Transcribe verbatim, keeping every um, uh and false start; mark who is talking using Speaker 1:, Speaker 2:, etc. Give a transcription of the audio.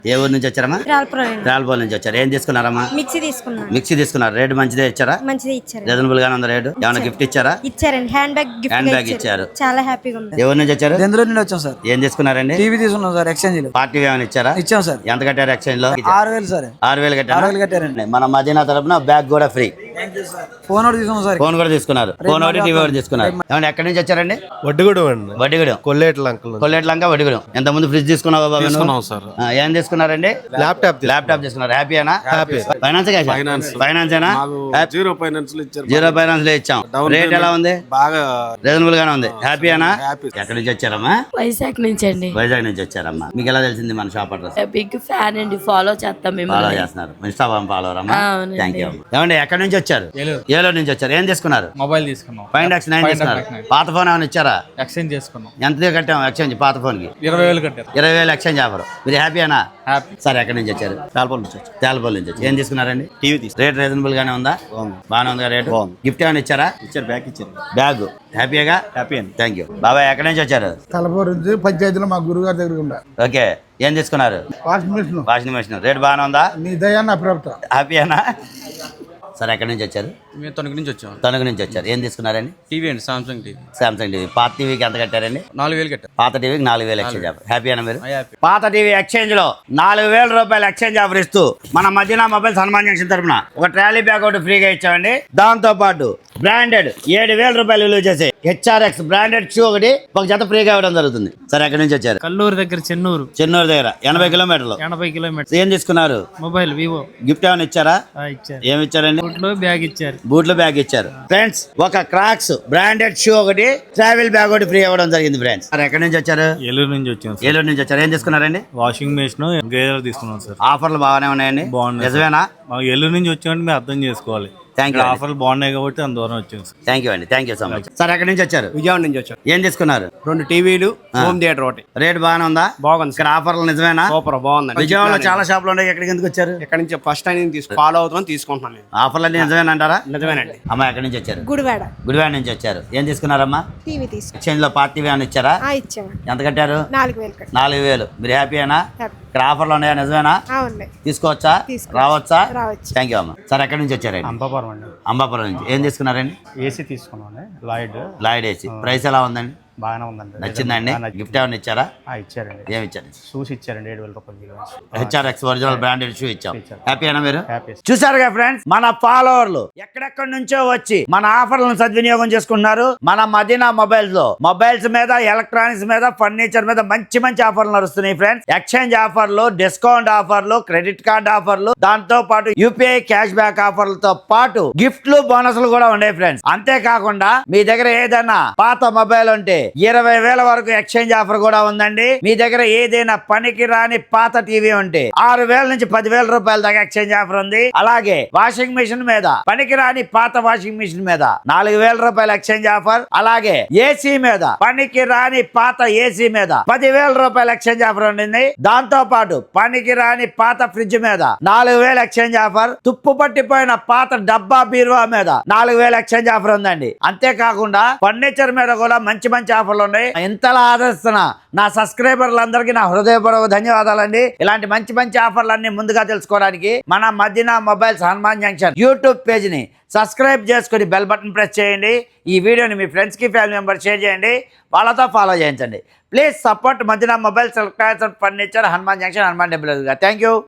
Speaker 1: ఏ ఊరు నుంచి వచ్చారమ్మా? రాల్పోల్ నుంచి వచ్చారు. ఏం తీసుకున్నారమ్మా?
Speaker 2: మిక్సీ తీసుకున్నాను.
Speaker 1: మిక్సీ తీసుకున్నారు. రేటు మంచిదే ఇచ్చారా?
Speaker 2: మంచిదే ఇచ్చారు.
Speaker 1: రీజనబుల్ గానే ఉంది రేటు. ఏమైనా గిఫ్ట్ ఇచ్చారా?
Speaker 2: ఇచ్చారండి. Hand bag gift
Speaker 1: hand bag ఇచ్చారు.
Speaker 2: చాలా హ్యాపీగా ఉంది.
Speaker 1: ఏ ఊరు నుంచి వచ్చారు?
Speaker 3: బెంగళూరు నుండి వచ్చాం సార్.
Speaker 1: ఏం తీసుకున్నారండి?
Speaker 3: టీవీ తీసుకున్నాం సార్ ఎక్స్చేంజ్ లో.
Speaker 1: పార్టీ ఏమైనా ఇచ్చారా?
Speaker 3: ఇచ్చాం సార్.
Speaker 1: ఎంత కట్టారు ఎక్స్చేంజ్ లో?
Speaker 3: ఆరు వేలు సార్.
Speaker 1: ఆరు వేలు కట్టారు.
Speaker 3: ఆరు వేలు కట్టారండి.
Speaker 1: మన మదీనా తరపున బ్యాగ్ కూడా ఫ్రీ.
Speaker 3: ఫోన్ ఒకటి తీసుకున్నాం సార్.
Speaker 1: ఫోన్ కూడా తీసుకున్నారు. ఫోన్ ఒకటి టీవీ ఒకటి తీసుకున్నారు. ఏమంటే ఎక్కడి నుంచి వచ్చారండి?
Speaker 4: వడ్డిగూడెం అండి.
Speaker 1: వడ్డిగూడెం.
Speaker 4: కొల్లేట్ల అంకుల్.
Speaker 1: కొల్లేట్లంక వడ్డిగూడెం. ఎంత ముందు ఫ్రిడ్జ్ తీసుకున్నావా బాబు?
Speaker 4: తీసుకున్నాం సార్.
Speaker 1: ఆ, ఏం తీసుకున్నారండి?
Speaker 4: ల్యాప్టాప్.
Speaker 1: ల్యాప్టాప్ తీసుకున్నారు. హ్యాపీనా?
Speaker 4: హ్యాపీ.
Speaker 1: Finance
Speaker 4: finance.
Speaker 1: ఫైనాన్స్ ఏనా?
Speaker 4: జీరో ఫైనాన్స్ లో ఇచ్చారు.
Speaker 1: జీరో ఫైనాన్స్ లో ఇచ్చాం. రేట్ ఎలా ఉంది?
Speaker 4: బాగా
Speaker 1: రీజనబుల్ గానే ఉంది. హ్యాపీనా?
Speaker 4: హ్యాపీ.
Speaker 1: ఎక్కడి నుంచి వచ్చారమ్మా?
Speaker 5: వైజాగ్ నుంచి అండి.
Speaker 1: వైజాగ్ నుంచి వచ్చారమ్మా. మీకు ఎలా తెలిసింది మన షాప్ అడ్రస్?
Speaker 5: బిగ్ ఫ్యాన్ అండి. ఫాలో చేస్తాం మేము.
Speaker 1: ఫాలో చేస్తున్నారు. ఇన్స్టాగ్రామ్ ఫాలోవర్ అమ్మా.
Speaker 5: అవునండి.
Speaker 1: Thank you. ఏమండి ఎక్కడి నుంచి వచ్చారు? ఏలూరు నుంచి వచ్చారు. ఏం తీసుకున్నారు?
Speaker 6: మొబైల్ తీసుకున్నాం.
Speaker 1: ఫైండ్ ఎక్స్ నైన్ తీసుకున్నారు. పాత ఫోన్ ఏమైనా ఇచ్చారా?
Speaker 6: ఎక్స్చేంజ్ చేసుకున్నాం.
Speaker 1: ఎంత కట్టాం ఎక్స్చేంజ్ పాత ఫోన్ కి?
Speaker 6: ఇరవై వేలు కట్టారు.
Speaker 1: ఇరవై వేలు ఎక్స్చేంజ్ ఆఫర్. మీరు హ్యాపీనా?
Speaker 6: హ్యాపీ.
Speaker 1: సరే ఎక్కడి నుంచి వచ్చారు?
Speaker 4: తాల్పల్ నుంచి వచ్చారు.
Speaker 1: తేలపల్లి నుంచి వచ్చి ఏం తీసుకున్నారండి?
Speaker 4: టీవీ తీసుకు.
Speaker 1: రేట్ రీజనబుల్ గానే ఉందా? బాగానే ఉంది రేట్. గిఫ్ట్ ఏమైనా ఇచ్చారా?
Speaker 4: ఇచ్చారు. బ్యాగ్ ఇచ్చారు.
Speaker 1: బ్యాగ్. హ్యాపీగా?
Speaker 4: హ్యాపీ అండి.
Speaker 1: Thank you. బాబాయ్ ఎక్కడి నుంచి వచ్చారు?
Speaker 7: తలపూరు నుంచి పంచాయతీలో మా గురుగారి దగ్గర ఉండా.
Speaker 1: ఓకే. ఏం తీసుకున్నారు?
Speaker 7: Washing machine.
Speaker 1: Washing machine. Rate బాగానే ఉందా?
Speaker 7: నీ దయా నా ప్రభుత్వం.
Speaker 1: హ్యాపీయేనా? సరే ఎక్కడి నుంచి వచ్చారు?
Speaker 6: మేము తణుకు నుంచి వచ్చాం.
Speaker 1: తణుకు నుంచి వచ్చారు. ఏం తీసుకున్నారండి?
Speaker 6: టీవీ అండి. Samsung TV.
Speaker 1: Samsung TV. పాత టీవీకి ఎంత కట్టారండి?
Speaker 6: నాలుగు వేలు కట్టారు.
Speaker 1: పాత టీవీకి నాలుగు వేలు ఎక్స్చేంజ్ ఆఫర్. హ్యాపీనా మీరు?
Speaker 6: హ్యాపీ.
Speaker 1: పాత టీవీ ఎక్స్చేంజ్ లో నాలుగు వేల రూపాయలు ఎక్స్చేంజ్ ఆఫర్ ఇస్తూ మన మదీనా మొబైల్స్ హనుమాన్ జంక్షన్ తరపున ఒక ట్రాలీ బ్యాగ్ ఒకటి ఫ్రీగా ఇచ్చామండి. దాంతో పాటు బ్రాండెడ్ ఏడు వేల రూపాయలు విలువ చేసే హెచ్ఆర్ఎక్స్ బ్రాండెడ్ షూ ఒకటి ఒక జత ఫ్రీగా ఇవ్వడం జరుగుతుంది. సరే ఎక్కడి నుంచి వచ్చారు?
Speaker 6: కల్లూరు దగ్గర చెన్నూరు.
Speaker 1: చెన్నూరు దగ్గర ఎనభై కిలోమీటర్లు.
Speaker 6: ఎనభై కిలోమీటర్.
Speaker 1: ఏం తీసుకున్నారు?
Speaker 6: Mobile Vivo.
Speaker 1: గిఫ్ట్ ఏమైనా ఇచ్చారా?
Speaker 6: ఇచ్చారు.
Speaker 1: ఏమి ఇచ్చారండి?
Speaker 6: బ్యాగ్ ఇచ్చారు.
Speaker 1: బూట్లు బ్యాగ్ ఇచ్చారు. ఫ్రెండ్స్ ఒక క్రాక్స్ బ్రాండెడ్ షూ ఒకటి ట్రావెల్ బ్యాగ్ ఒకటి ఫ్రీ ఇవ్వడం జరిగింది. ఫ్రెండ్స్ మరి ఎక్కడి నుంచి వచ్చారు?
Speaker 4: ఏలూరు నుంచి వచ్చాం.
Speaker 1: ఏలూరు నుంచి వచ్చారు. ఏం తీసుకున్నారండి?
Speaker 4: వాషింగ్ మెషిన్ గేదర్ తీసుకున్నాం సార్.
Speaker 1: ఆఫర్లు బాగానే ఉన్నాయండి.
Speaker 4: బాగున్నాయి.
Speaker 1: నిజమేనా?
Speaker 4: మాకు ఏలూరు నుంచి వచ్చామంటే మీరు అర్థం చేసుకోవాలి.
Speaker 1: Thank you.
Speaker 4: ఆఫర్లు బాగున్నాయి కాబట్టి అంత దూరం వచ్చాం సార్.
Speaker 1: థ్యాంక్ యూ అండి. Thank you so much. Sir ఎక్కడి నుంచి వచ్చారు?
Speaker 8: విజయవాడ నుంచి వచ్చాం.
Speaker 1: ఏం తీసుకున్నారు?
Speaker 8: రెండు టీవీలు, హోమ్ థియేటర్ ఒకటి.
Speaker 1: రేట్ బాగానే ఉందా?
Speaker 8: బాగుంది.
Speaker 1: ఇక్కడ ఆఫర్లు నిజమేనా?
Speaker 8: సూపర్ బాగుంది.
Speaker 1: విజయవాడలో చాలా షాపులు ఉన్నాయి. ఎక్కడికి ఎందుకు వచ్చారు?
Speaker 8: ఇక్కడ నుంచి ఫస్ట్ టైం తీసుకు ఫాలో అవుతున్నాం, తీసుకుంటున్నాను నేను.
Speaker 1: ఆఫర్లు అన్ని నిజమేనంటారా?
Speaker 8: నిజమేనండి.
Speaker 1: అమ్మ ఎక్కడి నుంచి వచ్చారు?
Speaker 2: గుడివాడ.
Speaker 1: గుడివాడ నుంచి వచ్చారు. ఏం తీసుకున్నారమ్మా?
Speaker 2: టీవీ తీసుకు.
Speaker 1: ఎక్స్చేంజ్ లో పార్టీ ఏమైనా ఇచ్చారా?
Speaker 2: ఇచ్చాము.
Speaker 1: ఎంత కట్టారు?
Speaker 2: నాలుగు వేలు కట్టారు.
Speaker 1: నాలుగు వేలు. మీరు హ్యాపీయేనా?
Speaker 2: హ్యాపీ.
Speaker 1: ఇక్కడ ఆఫర్లు ఉన్నాయా? నిజమేనా?
Speaker 2: అవునండి.
Speaker 1: తీసుకోవచ్చా?
Speaker 2: తీసుకోవచ్చు.
Speaker 1: రావచ్చా?
Speaker 2: రావచ్చు.
Speaker 1: థ్యాంక్ యూ అమ్మ. సార్ ఎక్కడి నుంచి వచ్చారండి?
Speaker 6: అంబాపురం అండి.
Speaker 1: అంబాపురం నుంచి. ఏం తీసుకున్నారండి?
Speaker 6: ఏసీ తీసుకున్నాం. లాయిడ్.
Speaker 1: Lloyd AC. ప్రైస్ ఎలా ఉందండి?
Speaker 6: బాగానే ఉందండి.
Speaker 1: నచ్చిందండి? గిఫ్ట్ ఏమైనా ఇచ్చారా?
Speaker 6: ఇచ్చారండి.
Speaker 1: ఏమి ఇచ్చారు?
Speaker 6: షూస్ ఇచ్చారండి. ఏడు వేల రూపాయలు.
Speaker 1: హెచ్ఆర్ఎక్స్ ఒరిజినల్ బ్రాండెడ్ షూ ఇచ్చాం. హ్యాపీనా మీరు?
Speaker 6: హ్యాపీ.
Speaker 1: చూసారుగా ఫ్రెండ్స్, మన ఫాలోవర్లు ఎక్కడెక్కడి నుంచో వచ్చి మన ఆఫర్లను సద్వినియోగం చేసుకుంటున్నారు. మన మదీనా మొబైల్స్ లో మొబైల్స్ మీద, ఎలక్ట్రానిక్స్ మీద, ఫర్నిచర్ మీద మంచి మంచి ఆఫర్లు నడుస్తున్నాయి ఫ్రెండ్స్. ఎక్స్చేంజ్ ఆఫర్లు, డిస్కౌంట్ ఆఫర్లు, క్రెడిట్ కార్డ్ ఆఫర్లు, దాంతో పాటు యూపీఐ క్యాష్ బ్యాక్ ఆఫర్లతో పాటు గిఫ్ట్లు, బోనస్లు కూడా ఉన్నాయి ఫ్రెండ్స్. అంతేకాకుండా మీ దగ్గర ఏదైనా పాత మొబైల్ ఉంటే ఇరవై వేల వరకు ఎక్స్చేంజ్ ఆఫర్ కూడా ఉందండి. మీ దగ్గర ఏదైనా పనికి రాని పాత టీవీ ఉంటే ఆరు వేల నుంచి పదివేల రూపాయల దాకా ఎక్స్చేంజ్ ఆఫర్ ఉంది. అలాగే వాషింగ్ మిషన్ మీద, పనికి రాని పాత వాషింగ్ మిషన్ మీద నాలుగు వేల రూపాయల ఎక్స్చేంజ్ ఆఫర్. అలాగే ఏసీ మీద, పనికి రాని పాత ఏసీ మీద పదివేల రూపాయల ఎక్స్చేంజ్ ఆఫర్ ఉండింది. దాంతో పాటు పనికి రాని పాత ఫ్రిడ్జ్ మీద నాలుగు వేల ఎక్స్చేంజ్ ఆఫర్. తుప్పు పట్టిపోయిన పాత డబ్బా బీరువా మీద నాలుగు వేల ఎక్స్చేంజ్ ఆఫర్ ఉందండి. అంతేకాకుండా ఫర్నిచర్ మీద కూడా మంచి మంచి ఆఫర్లు ఉన్నాయి. ఇంతలా ఆదరిస్తున్న నా సబ్స్క్రైబర్లందరికీ నా హృదయపూర్వక ధన్యవాదాలండి. ఇలాంటి మంచి మంచి ఆఫర్లన్నీ ముందుగా తెలుసుకోవడానికి మన Madina mobiles Hanuman junction YouTube page ని సబ్స్క్రైబ్ చేసుకుని బెల్ బటన్ ప్రెస్ చేయండి. ఈ వీడియోని మీ ఫ్రెండ్స్ కి, ఫ్యామిలీ మెంబర్స్ షేర్ చేయండి. వాళ్ళతో ఫాలో చేయించండి. Please support Madina mobiles, electronics and furniture, Hanuman junction, Hanuman temple. Thank you.